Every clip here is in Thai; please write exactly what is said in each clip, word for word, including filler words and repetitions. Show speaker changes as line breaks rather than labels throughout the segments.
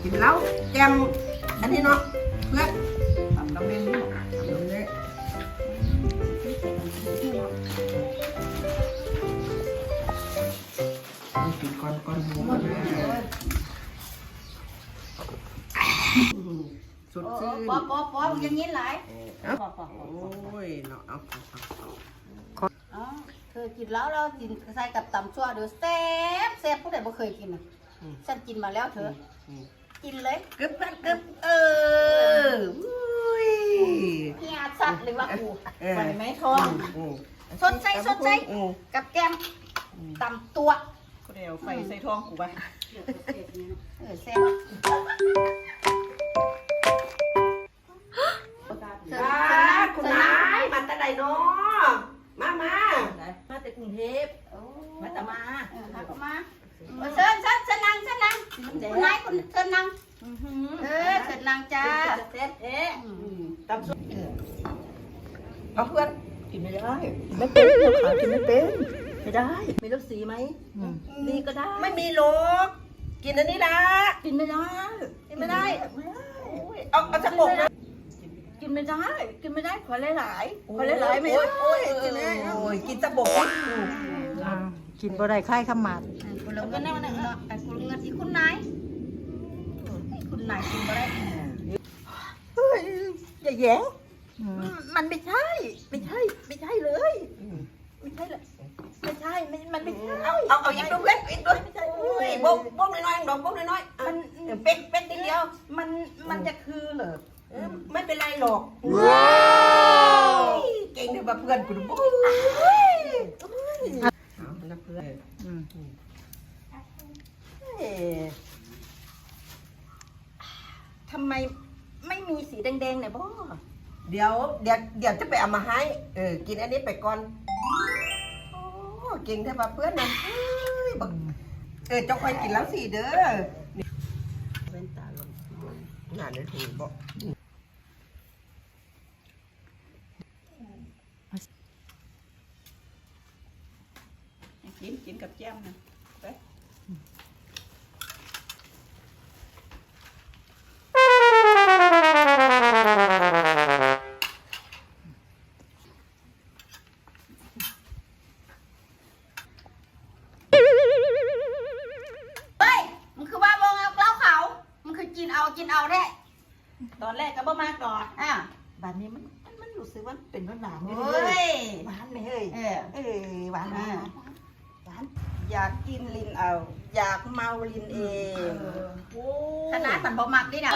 กินเหล้าแกมอันนี้เนาะเพื่อนทำน้ำเล่นทำน้ำเล่นกินก้อนก้อนหมูกันเลยสุดชื่น
ป๊อปป๊อปป๊อปยังงี้หลาย
โอ้ยเนาะเอา
อ๋อเคยกินแล้วเรากินใส่กับตำชั่วเดี๋ยวแซ่บแซ่บผู้ใดบ่เคยกินอ่ะฉันกินมาแล้วเธอกินเลย
กึบกันกึบเอออุ้ย
เฮียสัตว์เลยว่ากู
ไหวไหมท้อง
สดใจสดใจกับแกมตำตัว
กูเดี๋ยวไฟใส่ท้องกูไป
เออแซ่บ
จ้าคุณนายมาแต่ใดเนาะมามา
มาจากกรุงเทพมาตะมา
เออมาก็มาเชิญเชิญเชิญนั่งเชิญนั่งคุณนายคุณเชิญนั่งเออเชิญนั่งจ้า
เซ็ตเอ๊ะตำซุป
เอาเพื่อน
กินไม่ได้ไม่เป็นขากินไม่เป็นไม่ได้มีรสสีไหมนี่ก็ได้
ไม่มีโลกกินอันนี้ละ
กินไม่ได้
กินไม่ได้เอาเอาสักหมกนะ
กินไม่ได้กินไม่ได้ขอหลายๆขอหลายๆไม่ได้
โอ้ยกินไม่ได้โอ้ยกินสักหมก
กินบ่ได้ค่ายขมาด
คุณเราก็นั่งนั่งเนาะแต่คุณเงินที่คุณนายคุณนายกินมาได้
เฮ้ยอย่าแย้งมันไม่ใช่ไม่ใช่ไม่ใช่เลยไม่ใช่เลยไม่ใช่ไม่มันไม่ใช่
เอาเอาเอาอีกด้วยเว้ยอีกด้วยโอ้ยบกบกน้อยๆดอกบกน้อยๆมันเป็ดเป็ดนิดเดียว
มันมันจะคือเหรอ
ไม่เป็นไรหรอกว้าว เก่งเลยมาเพื่อนคุณบุ๊เอานะเพื่อน
เอ๊ะทำไมไม่มีสีแดงๆเนี่ยพ่อ
เดี๋ยวเดี๋ยวเดี๋ยวจะไปเอามาให้เออกินอันนี้ไปก่อนโอ้เก่งแท้มาเพื่อนนะเอ้ยบักเออเจ้าคอยกินแล้วสิเด้อเว้นตาลงงานได้ถูกบอก
กินกินกับแจ่มนะไป
เฮ้ยมันคือว่าวงเอาเล่าเขามันคือกินเอากินเอาได้
ตอนแรกก็บ่มาก่อน
อ่ะ
บัดนี้มันมันมันรู้สึกว่าเป็นหวานหวาน
เฮ้ย
หวานไหมเฮ้ย
เออ
เอ้ยหวานหวานหวานอยากกินลินเอา อยากเมาลินเองโอ้
ขนาดมันบ่มักดินะ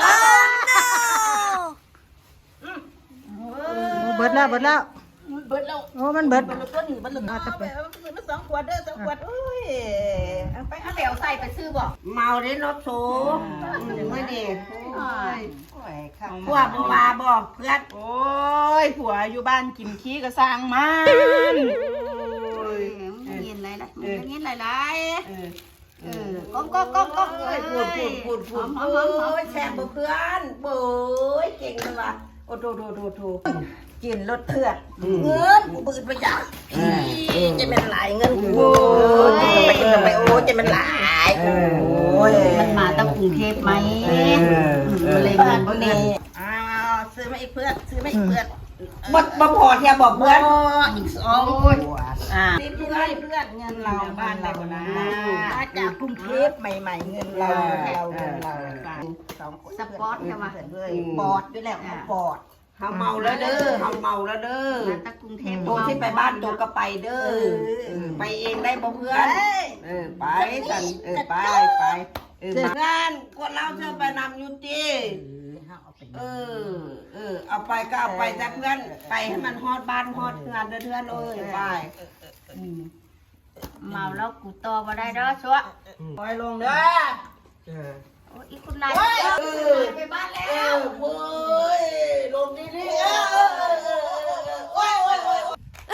เบิดแล้วเบิดแล้ว
เบิดแล้ว
โอ้มันเบิด
เบิดแล้วต้นนี่เบิดแล้วเอาไปเอาไปซื้อมาสองขวดเด้อสองขวดโอ้ยเอาไป
เอาเดี๋ยวใส่ไปซื้อบ่
เมาได้รถโซ่ไม่ดี
โอ้ยโอ้ยข้าว
พวกบัวบอกเพื่อน
โอ้ยผัวอยู่บ้านกินขี้ก็สร้างมัน
เออมันเย็นไรล่ะมันเย็นไรไร
เออ
เออก้มก้มก้มก้ม
เอ้ยพูดพูดพูดพูด
หอ
โอ้
มหอมหอม
ยแซ่บบ่เพื่อนโอ้ยเก่งเลยว่ะโอ้โถโถโถโถ
กินรถเถื่อน
เงินกูบืนไปจ้ะ
จะเป็นหลายเงินกูโอ้ยไปกินทำไมโอ้ยจะเป็นหลายโอ้ย
มันมาตั้งกรุงเทพไหมมันเลย
บ้า
เงิ
น
น
พวก
เนี่
นี้
ย
อ้าวซื้อมาอีกเพื่อนซื้อมาอีกเพื่อน
บ่บ่พอเทียบอกเพื่อน
อีกสองอ่านี่เพื่อนเพื่อนเงินเราบ้านเรานะมาจากกรุงเทพใหม่ๆเงินเราเราเงินเราสองคน
สปอร์ตใช่ไหม
เลยปอดด้วยแหละปอด
เฮาเมาแล้วเด้อเฮาเมาแล้วเด้อ
มาตั้งกรุงเทพ
โตที่ไปบ้านโตก็ไปเด้อไปเองได้บ่เพื่อน เออไปกันเออไปไปเอองานคนเราเธอไปนำอยู่ตีเออเออเอาไปก็เอาไปจ้ะเพื่อนไปให้มันฮอดบ้านฮอดงานเด้อเพื่อนเอ้ยไปอืม
เมาแล้วกูต่อมาได้เด้อชัว
ปล่อยลงเด้อ
เออ
โอ้ยอีคุณนาย
เออ
ไปบ้านแล้
เอ
ว
อเว้ยลงดีดีเออเออเออเออโอ้ยโอ้ยโอ้ย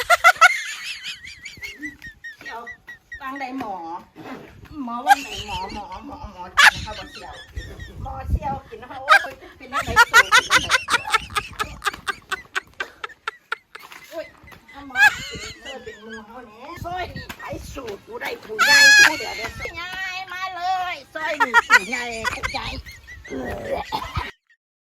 เดี๋ยวฟังได้หมอ หมอว่าไหนหมอหมอหมอหมอกินนะคะบอเชียวหมอเชียวกินนะคะโอ้ยเป็นอะไรสูงโอ้ยถ้าหมอกินเธอเป็นมือเขาเนี่ยซอยนี่ไอ้สูตรกูได้ผู้ใหญ่กูเดี๋ยวเดี๋ยวซอยใหญ่มาเลยซอยนี่ผู้ใหญ่ผู้ใหญ่
เ